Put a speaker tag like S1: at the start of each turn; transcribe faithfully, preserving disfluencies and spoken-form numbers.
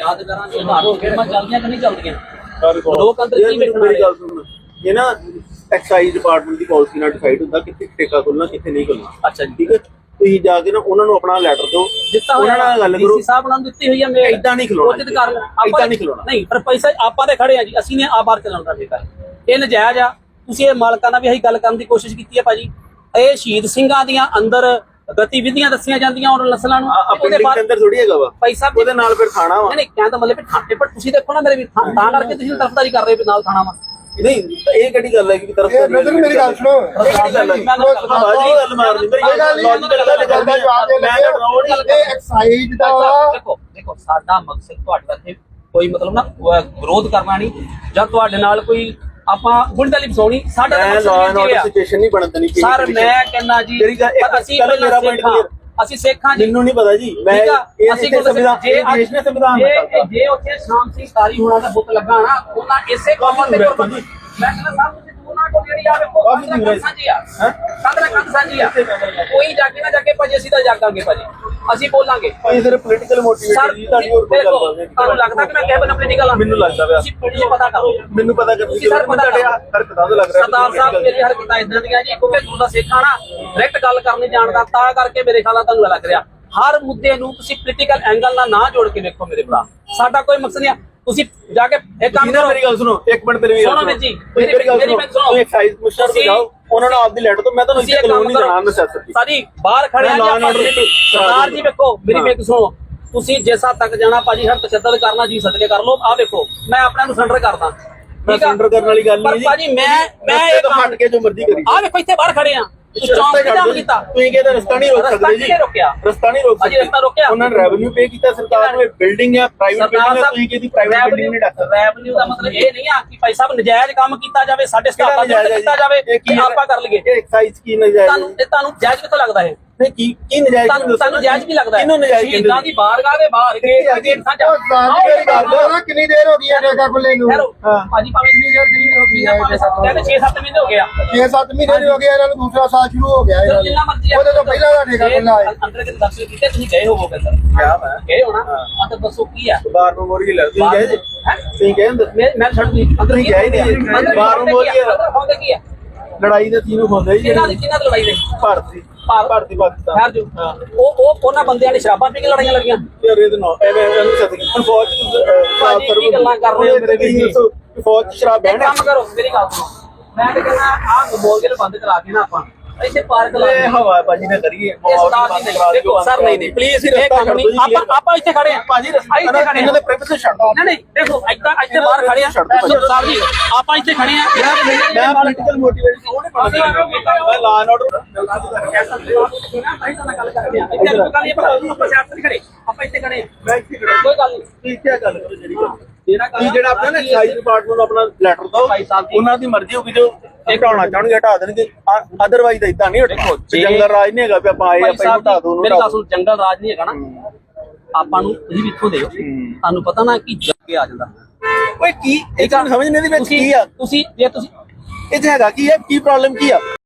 S1: ਯਾਦ ਕਰਾਂਗੇ ਉਧਾਰੋਂ ਫਿਲਮਾਂ ਚੱਲਦੀਆਂ ਕਿ ਨਹੀਂ ਚੱਲਦੀਆਂ ਲੋਕ ਅੰਦਰ ਕੀ ਵੇਖਣ
S2: ਮੇਰੀ ਗੱਲ ਸੁਣ ਇਹ ਨਾ ਐਕਸਾਈਜ਼ ਡਿਪਾਰਟਮੈਂਟ ਦੀ ਪਾਲਿਸੀ ਨਾਲ ਡਿਸਾਈਡ ਹੁੰਦਾ ਕਿੱਥੇ ਠੇਕਾ ਖੋਲਣਾ ਕਿੱਥੇ ਨਹੀਂ ਖੋਲਣਾ।
S1: ਅੱਛਾ ਜੀ
S2: ਠੀਕ ਹੈ ਤੁਸੀਂ ਜਾ ਕੇ ਨਾ ਉਹਨਾਂ ਨੂੰ ਆਪਣਾ ਲੈਟਰ ਦਿਓ
S1: ਦਿੱਤਾ
S2: ਉਹਨਾਂ ਨਾਲ ਗੱਲ ਕਰੋ।
S1: ਡੀਸੀ ਸਾਹਿਬ ਨਾਲ ਦਿੱਤੀ ਹੋਈ ਹੈ ਮੈਂ
S2: ਇਦਾਂ ਨਹੀਂ ਖਲੋਣਾ ਇਦਾਂ ਨਹੀਂ ਖਲੋਣਾ
S1: ਨਹੀਂ ਪਰ ਪੈਸਾ ਆਪਾਂ ਤੇ ਖੜੇ ਆ ਜੀ ਅਸੀਂ ਨੇ ਆ ਬਾਹਰ ਚਲਾਉਣ ਦਾ ਠੇਕਾ ਇਹ ਨਜਾਇਜ਼ ਆ। ਤੁਸੀਂ ਇਹ ਮਾਲਕਾਂ ਨਾਲ ਵੀ ਅਸੀਂ ਗੱਲ ਕਰਨ ਦੀ ਕੋਸ਼ਿਸ਼ ਕੀਤੀ ਹੈ ਭਾਜੀ। ਇਹ ਸ਼ਹੀਦ ਸਿੰਘਾਂ ਦੀਆਂ ਅੰਦਰ ਗਤੀਵਿਧੀਆਂ ਦੱਸੀਆਂ ਜਾਂਦੀਆਂ ਉਹਨਾਂ ਨਸਲਾਂ ਨੂੰ
S2: ਉਹਦੇ ਬਾਅਦ ਅੰਦਰ ਥੋੜੀ ਹੈਗਾ ਵਾ
S1: ਪੈਸਾ
S2: ਉਹਦੇ ਨਾਲ ਫਿਰ ਖਾਣਾ ਵਾ
S1: ਨਹੀਂ ਕਹਿੰਦਾ ਮਤਲਬ ਵੀ ਠਾਣੇ ਪਰ ਤੁਸੀਂ ਦੇਖੋ ਨਾ ਮੇਰੇ ਵੀ ਤਾਂ ਕਰਕੇ ਤੁਸੀਂ ਤਰਫਦਾਰੀ ਕਰ ਰਹੇ ਹੋ ਨਾਲ ਖਾਣਾ ਵਾ
S2: ਨਹੀਂ ਇਹ ਕਿਹੜੀ ਗੱਲ ਹੈ ਕਿ ਤਰਫਦਾਰੀ
S3: ਨਜ਼ਰ ਮੇਰੀ ਗੱਲ ਸੁਣੋ
S2: ਬਾਜੀ ਗੱਲ ਮਾਰਨੀ ਮੇਰੀ ਗੱਲ ਲੌਜੀਕਲ ਗੱਲ ਕਰਦਾ ਜਵਾਬ ਦੇ ਮੈਂ ਰੋਡ
S3: ਇਹ ਐਕਸਾਈਜ਼ ਦਾ
S1: ਦੇਖੋ ਦੇਖੋ ਸਾਡਾ ਮਕਸਦ ਤੁਹਾਡੇ ਇੱਥੇ ਕੋਈ ਮਤਲਬ ਨਾ ਵਿਰੋਧ ਕਰਨਾ ਨਹੀਂ ਜਾਂ ਤੁਹਾਡੇ ਨਾਲ ਕੋਈ ਆਪਾਂ ਗੁੰਡਾਲੀ ਬਸਾਉਣੀ ਸਾਡਾ
S2: ਸਿਚੁਏਸ਼ਨ ਨਹੀਂ ਬਣਨ ਦੇਣੀ
S1: ਸਰ ਮੈਂ ਕਹਿੰਦਾ ਜੀ ਅਸੀਂ ਮੇਰਾ ਪੁਆਇੰਟ ਕਲੀਅਰ ਅਸੀਂ ਸਿੱਖਾਂ ਜੀ
S2: ਮੈਨੂੰ ਨਹੀਂ ਪਤਾ ਜੀ ਮੈਂ
S1: ਅਸੀਂ ਸੰਵਿਧਾਨ ਦੇਸ਼ ਨੇ ਸੰਵਿਧਾਨ ਜੇ ਉੱਥੇ ਸ਼ਾਮ ਸਿੰਘ ਤਾਰੀ ਹੋਣਾ ਦਾ ਬੁੱਤ ਲੱਗਾ ਨਾ ਉਹਨਾਂ ਇਸੇ ਕੰਮ ਤੇ ਮੈਂ ਕਹਿੰਦਾ ਸਾਹਿਬ ਤੁਸੀਂ ਉਹਨਾਂ ਕੋਲ ਜਿਹੜੀ ਆ ਵੇਖੋ ਕੰਧ ਸਾਂਝੀ ਆ ਕੰਧ ਨਾਲ ਕੰਧ ਸਾਂਝੀ ਆ ਕੋਈ ਜਾ ਕੇ ਨਾ ਜਾ ਕੇ ਭਾਜੀ ਅਸੀਂ ਤਾਂ ਜਾਗਾਂਗੇ ਭਾਜੀ ਅਸੀਂ ਬੋਲਾਂਗੇ
S2: ਇਹ ਸਿਰਫ ਪੋਲੀਟੀਕਲ ਮੋਟੀਵੇਟਡ ਜੀ ਤੁਹਾਡੀ ਹੋਰ ਕੋਈ ਗੱਲ ਨਹੀਂ।
S1: ਤੁਹਾਨੂੰ ਲੱਗਦਾ ਕਿ ਮੈਂ ਕਹਿ ਬਣਾ ਪੋਲੀਟੀਕਲ ਆ
S2: ਮੈਨੂੰ ਲੱਗਦਾ ਪਿਆ
S1: ਤੁਸੀਂ ਤੁਸੀਂ ਪਤਾ ਕਰੋ
S2: ਮੈਨੂੰ ਪਤਾ ਕਰ
S1: ਤੁਸੀਂ ਸਰ ਪਤਾ
S2: ਤੁਹਾਡੇ ਹਰਕਤਾਂ ਤੋਂ ਲੱਗ ਰਿਹਾ
S1: ਸਰਦਾਰ ਸਾਹਿਬ ਮੇਰੀ ਹਰਕਤਾਂ ਇਦਾਂ ਦੀਆਂ ਜੀ ਕਿਉਂਕਿ ਗੁਰੂ ਦਾ ਸਿੱਖ ਆ ਨਾ ਡਾਇਰੈਕਟ ਗੱਲ ਕਰਨੀ ਜਾਣਦਾ ਤਾਂ ਕਰਕੇ ਮੇਰੇ ਖਿਆਲ ਨਾਲ ਤੁਹਾਨੂੰ ਲੱਗ ਰਿਹਾ ਹਰ ਮੁੱਦੇ ਨੂੰ ਤੁਸੀਂ ਪੋਲੀਟੀਕਲ ਐਂਗਲ ਨਾਲ ਨਾ ਜੋੜ ਕੇ ਵੇਖੋ ਮੇਰੇ ਭਰਾ ਸਾਡਾ ਕੋਈ ਮਕਸਦ ਨਹੀਂ ਤੁਸੀਂ ਜਾ ਕੇ ਇੱਕ ਕੰਮ ਕਰੋ
S2: ਮੇਰੀ ਗੱਲ ਸੁਣੋ ਇੱਕ ਮਿੰਟ ਮੇਰੀ ਗੱਲ
S1: ਸੁਣੋ ਜੀ
S2: ਮੇਰੀ ਗੱਲ ਸੁਣੋ ਤੁਸੀਂ ਐਕਸਾਈਜ਼ ਕਮਿਸ਼ਨਰ ਤੇ ਜਾਓ ਉਹਨਾਂ ਨੂੰ ਆਪਦੀ ਲੈਟਰ ਤੋਂ ਮੈਂ ਤੁਹਾਨੂੰ ਇੱਥੇ ਕਾਨੂੰਨ ਨਹੀਂ ਜਾਣਦਾ ਨੈਸੈਸਿਟੀ
S1: ਸਾਡੀ ਬਾਹਰ ਖੜੇ ਆ ਜੀ ਸਰਦਾਰ ਜੀ ਵੇਖੋ ਮੇਰੀ ਵੇਖ ਸੁਣੋ ਤੁਸੀਂ ਜਿਸ ਹੱਦ ਤੱਕ ਜਾਣਾ ਭਾਜੀ ਹਰ ਤਸ਼ੱਦਦ ਕਰਨਾ ਜੀ ਸਦਕੇ ਕਰ ਲਓ ਆ ਵੇਖੋ ਮੈਂ ਆਪਣਾ ਨੂੰ ਸੈਂਟਰ ਕਰਦਾ
S2: ਸੈਂਟਰ ਕਰਨ ਵਾਲੀ ਗੱਲ ਨਹੀਂ ਜੀ
S1: ਭਾਜੀ ਮੈਂ ਮੈਂ ਇਹ
S2: ਹਟ ਕੇ ਜੋ ਮਰਜ਼ੀ ਕਰੀ
S1: ਆ ਵੇਖੋ ਇੱਥੇ ਬਾਹਰ ਖੜੇ ਆ
S2: ਚੌਂਕ ਤੇ ਜਾਮ ਕੀਤਾ ਤੁਸੀਂ ਕਹਿੰਦੇ ਰਸਤਾ ਨਹੀਂ ਰੋਕ ਸਕਦੇ ਜੀ ਰਸਤਾ ਨਹੀਂ ਰੋਕ ਸਕਦੇ
S1: ਰਸਤਾ ਰੋਕਿਆ
S2: ਉਹਨਾਂ ਨੇ ਰੈਵਨਿਊ ਪੇ ਕੀਤਾ ਸਰਕਾਰ ਨੂੰ ਬਿਲਡਿੰਗ ਹੈ ਪ੍ਰਾਈਵੇਟ ਬਿਲਡਿੰਗ ਹੈ ਤੁਸੀਂ ਕਿਹਦੀ ਪ੍ਰਾਈਵੇਟ ਬਿਲਡਿੰਗ ਨਹੀਂ ਡੱਕ ਸਕਦੇ
S1: ਰੈਵਨਿਊ ਦਾ ਮਤਲਬ ਇਹ ਨਹੀਂ ਆ ਕਿ ਭਾਈ ਸਾਹਿਬ ਨਜਾਇਜ਼ ਕੰਮ ਕੀਤਾ ਜਾਵੇ ਸਾਡੇ ਸਟਾਫਾਂ ਨੂੰ ਕੀਤਾ ਜਾਵੇ ਕਿ ਆਪਾਂ ਕਰ ਲਈਏ
S2: ਇਹ ਐਕਸਾਈਜ਼ ਕੀ ਨਜਾਇਜ਼
S1: ਤੁਹਾਨੂੰ ਇਹ ਤੁਹਾਨੂੰ ਜਾਇਜ਼ ਕਿੱਥੋਂ ਲੱਗਦਾ ਹੈ
S2: ਨਹੀਂ ਕੀ ਕੀ ਨਜਾਇਜ਼
S1: ਤੁਹਾਨੂੰ ਜਾਇਜ਼ ਵੀ ਲੱਗਦਾ ਹੈ
S2: ਕਿਹਨੂੰ ਨਜਾਇਜ਼ ਕਹਿੰਦੇ
S1: ਸ਼ਹੀਦਾਂ ਦੀ ਬਾਰਗਾਹ ਦੇ ਬਾਹਰ ਗੇਟ ਸਾਂਝਾ
S3: ਕਿੰਨੀ ਦੇਰ ਹੋ ਗਈ ਹੈ ਠੇਕਾ ਖੁੱਲੇ ਨੂੰ
S1: ਭਾਜੀ ਭਾਵੇਂ ਕਿੰਨੀ ਦੇਰ ਕਿੰਨੀ ਹੋ ਗਈ ਹੈ ਛੇ ਸੱਤ ਮਹੀਨੇ ਹੋ ਗਏ ਆ
S3: ਛੇ ਸੱਤ ਮਹੀਨੇ ਹੋ ਗਏ ਇਹਨਾਂ ਨੂੰ ਦੂਸਰਾ ਸਾਲ ਸ਼ੁਰੂ ਹੋ ਗਿਆ ਹੈ
S1: ਜਿੰਨਾ ਮਰਜ਼ੀ
S3: ਉਹਦੇ ਤੋਂ ਪਹਿਲਾਂ ਦਾ ਠੇਕਾ ਖੁੱਲਾ ਹੈ
S1: ਅੰਦਰ ਕਿਤੇ ਦੱਸੋ ਕਿਤੇ ਤੁਸੀਂ ਗਏ ਹੋਵੋਗੇ ਸਰ
S2: ਕਿਆ ਮੈਂ
S1: ਗਏ ਹੋਣਾ ਆ ਤਾਂ ਦੱਸੋ ਕੀ ਆ
S2: ਬਾਹਰ ਮੈਮੋਰੀਅਲ ਤੁਸੀਂ ਗਏ ਜੀ ਤੁਸੀਂ ਗਏ ਅੰਦਰ
S1: ਮੈਂ ਮੈਂ ਛੱਡ ਦੀ ਅੰਦਰ
S2: ਤੁਸੀਂ ਗਏ ਨਹੀਂ ਬਾਹਰ ਮੈਮੋਰੀਅਲ
S1: ਅੰਦਰ ਹੋਂਦੇ ਕੀ ਆ
S2: ਲੜਾਈ ਦੇ ਤੀਨੋਂ ਹੁੰਦੇ ਜੀ
S1: ਕਿਹਨਾਂ ਦੀ ਕਿਹਨਾਂ ਦੀ ਲੜਾਈ ਦੇ
S2: ਭਾਰਤ ਦੀ ਭਾਰਤੀ ਪਾਕਿਸਤਾਨ
S1: ਯਾਰ ਜੋ ਉਹ ਉਹ ਉਹਨਾਂ ਬੰਦਿਆਂ ਨੇ ਸ਼ਰਾਬਾਂ ਪੀ ਕੇ ਲੜਾਈਆਂ ਲੜੀਆਂ
S2: ਯਾਰ ਇਹ ਤਾਂ ਨਾ ਐਵੇਂ ਇਹਨੂੰ ਸੱਚ ਹੁਣ ਫੌਜ
S1: ਭਾਜੀ ਕੀ ਗੱਲਾਂ ਕਰ ਰਹੇ ਹੋ ਮੇਰੇ ਵੀਰ
S2: ਫੌਜ ਚ ਸ਼ਰਾਬ ਬਹਿਣਾ
S1: ਕੰਮ ਕਰੋ ਮੇਰੀ ਗੱਲ ਸੁਣੋ ਮੈਂ ਤਾਂ ਕਹਿੰਦਾ ਆਹ ਮੋਬਾਈਲ ਬੰਦ ਕਰਾ ਕੇ ਨਾ ਆਪਾਂ ਇੱਥੇ ਪਾਰਕ ਲਾ
S2: ਇਹ ਹਵਾ ਬਾਜੀ ਨਾ ਕਰੀਏ
S1: ਦੇਖੋ ਸਰ ਨਹੀਂ ਨਹੀਂ ਪਲੀਜ਼ ਇਹ ਕੰਮ ਨਹੀਂ ਆਪਾਂ ਆਪਾਂ ਇੱਥੇ ਖੜੇ ਆ
S2: ਭਾਜੀ
S1: ਇੱਥੇ ਖੜੇ
S2: ਇਹਨਾਂ ਦੇ ਪ੍ਰੀਮਿਸਿਸ ਛੱਡ ਦੋ
S1: ਨਹੀਂ ਨਹੀਂ ਦੇਖੋ ਇੱਦਾਂ ਇੱਥੇ ਬਾਹਰ ਖੜੇ ਆ ਸਾਹਿਬ ਜੀ ਆਪਾਂ ਇੱਥੇ ਖੜੇ ਆ
S2: ਮੈਂ ਪੋਲੀਟੀਕਲ ਮੋਟੀਵੇਸ਼ਨ ਉਹ ਨਹੀਂ ਪੜਦਾ ਮੈਂ ਲਾ ਐਂਡ ਆਰਡਰ
S1: ਆਪਾਂ ਇੱਥੇ ਖੜੇ ਆ
S2: ਮੈਂ ਇੱਥੇ ਖੜਾ
S1: ਕੋਈ ਗੱਲ ਨਹੀਂ
S2: ਤੁਸੀਂ ਕੀ ਗੱਲ ਕਰੋ ਜਿਹੜੀ ਗੱਲ ਜਿਹੜਾ ਆਪਣਾ ਨਾ ਐਕਸਾਈਜ਼ ਡਿਪਾਰਟਮੈਂਟ ਨੂੰ ਆਪਣਾ ਲੈਟਰ ਦਿਓ ਉਹਨਾਂ ਦੀ ਮਰਜ਼ੀ ਹੋਊਗੀ ਜੋ ਹਟਾਉਣਾ ਚਾਹਣਗੇ ਹਟਾ ਦੇਣਗੇ ਅਦਰਵਾਈਜ਼ ਤਾਂ ਇਦਾਂ ਨਹੀਂ ਦੇਖੋ ਜੰਗਲ ਰਾਜ ਨਹੀਂ ਹੈਗਾ ਵੀ ਆਪਾਂ ਆਏ ਆਪਾਂ ਹਟਾ ਦੋ
S1: ਮੇਰੇ ਪਾਸ ਜੰਗਲ ਰਾਜ ਨਹੀਂ ਹੈਗਾ ਨਾ ਆਪਾਂ ਨੂੰ ਤੁਸੀਂ ਵੀ ਇੱਥੋਂ ਦੇ ਤੁਹਾਨੂੰ ਪਤਾ ਨਾ ਕਿ ਜੱਗੇ ਆ ਜਾਂਦਾ
S2: ਓਏ ਕੀ ਇਹ ਸਮਝ ਨਹੀਂ ਆਦੀ ਵਿੱਚ ਕੀ ਆ
S1: ਤੁਸੀਂ ਜੇ ਤੁਸੀਂ
S2: ਇਹ ਹੈਗਾ ਕੀ ਹੈ ਕੀ ਪ੍ਰੋਬਲਮ ਕੀ ਆ